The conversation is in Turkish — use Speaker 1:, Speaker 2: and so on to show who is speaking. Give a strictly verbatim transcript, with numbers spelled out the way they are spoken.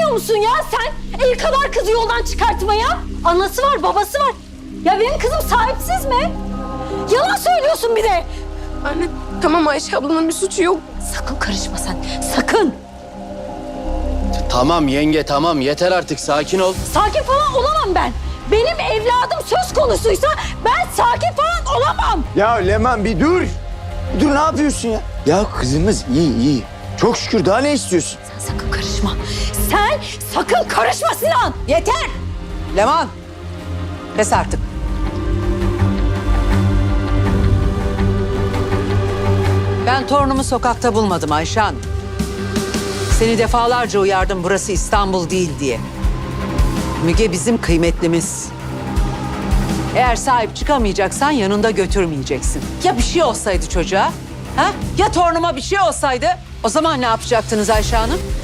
Speaker 1: utanmıyor musun ya sen? El kadar kızı yoldan çıkartmaya. Anası var, babası var. Ya benim kızım sahipsiz mi? Yalan söylüyorsun bir de.
Speaker 2: Anne tamam, Ayşe ablanın bir suçu yok.
Speaker 1: Sakın karışma sen, sakın.
Speaker 3: Tamam yenge tamam yeter artık sakin ol.
Speaker 1: Sakin falan olamam ben. Benim evladım söz konusuysa ben sakin falan olamam.
Speaker 4: Ya Leman bir dur. Bir dur, ne yapıyorsun ya? Ya kızımız iyi iyi. Çok şükür, daha ne istiyorsun?
Speaker 1: Sen sakın karışma. Sen sakın karışma Sinan.
Speaker 5: Yeter! Leman, pes artık. Ben torunumu sokakta bulmadım Ayşe Hanım. Seni defalarca uyardım, burası İstanbul değil diye. Müge bizim kıymetlimiz. Eğer sahip çıkamayacaksan yanında götürmeyeceksin. Ya bir şey olsaydı çocuğa? Ha? Ya torunuma bir şey olsaydı? O zaman ne yapacaktınız Ayşe Hanım?